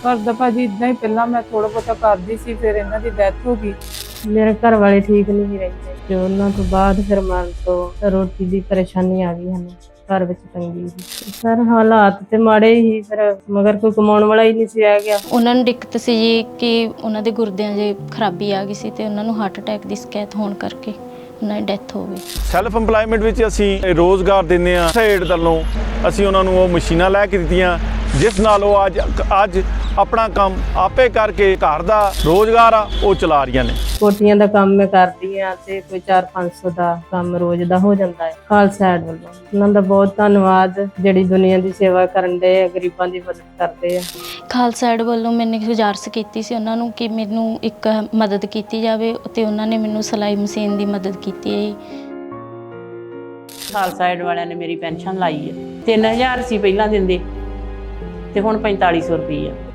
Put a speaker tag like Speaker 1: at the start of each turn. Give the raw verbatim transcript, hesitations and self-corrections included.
Speaker 1: घर दा भाजी इदां ही पहला मैं थोड़ा बहुता करदी सी, फिर इन्हां दी डेथ हो गई।
Speaker 2: मेरे घर वाले ठीक नहीं रहते ते उन्हां तो बाद फिर मन तो रोटी दी परेशानी आ गई हमें घर विच तंगी सी। सर हालात ते माड़े ही फिर मगर कोई कमाउण वाला ही नहीं सी रह गया।
Speaker 3: ਉਹਨਾਂ ਨੂੰ ਦਿੱਕਤ ਸੀ ਜੀ ਕਿ ਉਹਨਾਂ ਦੇ ਗੁਰਦਿਆਂ 'ਚ ਖਰਾਬੀ ਆ ਗਈ ਸੀ ਤੇ ਉਹਨਾਂ ਨੂੰ ਹਾਰਟ ਅਟੈਕ ਦੀ ਸ਼ਿਕਾਇਤ ਹੋਣ ਕਰਕੇ ਉਹਨਾਂ ਦੀ ਡੈਥ ਹੋ ਗਈ।
Speaker 4: ਸੈਲਫ ਇੰਪਲਾਇਮੈਂਟ ਵਿੱਚ ਅਸੀਂ ਰੋਜ਼ਗਾਰ ਦਿੰਦੇ ਹਾਂ। ਸੇਡ ਵੱਲੋਂ ਅਸੀਂ ਉਹਨਾਂ ਨੂੰ ਉਹ ਮਸ਼ੀਨਾਂ ਲੈ ਕੇ ਦਿੱਤੀਆਂ ਜਿਸ ਨਾਲ ਉਹ ਅੱਜ ਅੱਜ ਆਪਣਾ ਕੰਮ ਆਪੇ ਕਰਕੇ ਘਰ ਦਾ ਰੋਜ਼ਗਾਰ ਆ ਉਹ ਚਲਾ ਰਹੀਆਂ ਨੇ।
Speaker 2: ਕੋਟੀਆਂ ਦਾ ਕੰਮ ਮੈਂ ਕਰਦੀ ਆ ਤੇ ਕੋਈ ਚਾਰ ਪੰਜ ਸੌ ਦਾ ਕੰਮ ਰੋਜ਼ ਦਾ ਹੋ ਜਾਂਦਾ ਹੈ। ਖਾਲਸਾ ਏਡ ਵੱਲੋਂ ਉਹਨਾਂ ਦਾ ਬਹੁਤ ਧੰਨਵਾਦ, ਜਿਹੜੀ ਦੁਨੀਆ ਦੀ ਸੇਵਾ ਕਰਨ ਦੇ ਆ, ਗਰੀਬਾਂ ਦੀ ਮਦਦ ਕਰਦੇ ਆ।
Speaker 3: ਖਾਲਸਾ ਏਡ ਵੱਲੋਂ ਮੈਨੇ ਗੁਜ਼ਾਰਿਸ਼ ਕੀਤੀ ਸੀ ਉਹਨਾਂ ਨੂੰ ਕਿ ਮੈਨੂੰ ਇੱਕ ਮਦਦ ਕੀਤੀ ਜਾਵੇ ਤੇ ਉਹਨਾਂ ਨੇ ਮੈਨੂੰ ਸਿਲਾਈ ਮਸ਼ੀਨ ਦੀ ਮਦਦ ਕੀਤੀ ਹੈ।
Speaker 5: ਖਾਲਸਾ ਏਡ ਵਾਲਿਆਂ ਨੇ ਮੇਰੀ ਪੈਨਸ਼ਨ ਲਾਈ ਹੈ। ਤਿੰਨ ਹਜ਼ਾਰ ਸੀ ਪਹਿਲਾਂ ਦਿੰਦੇ ਤੇ ਹੁਣ ਪੰਤਾਲੀ ਸੌ ਰੁਪਈਆ।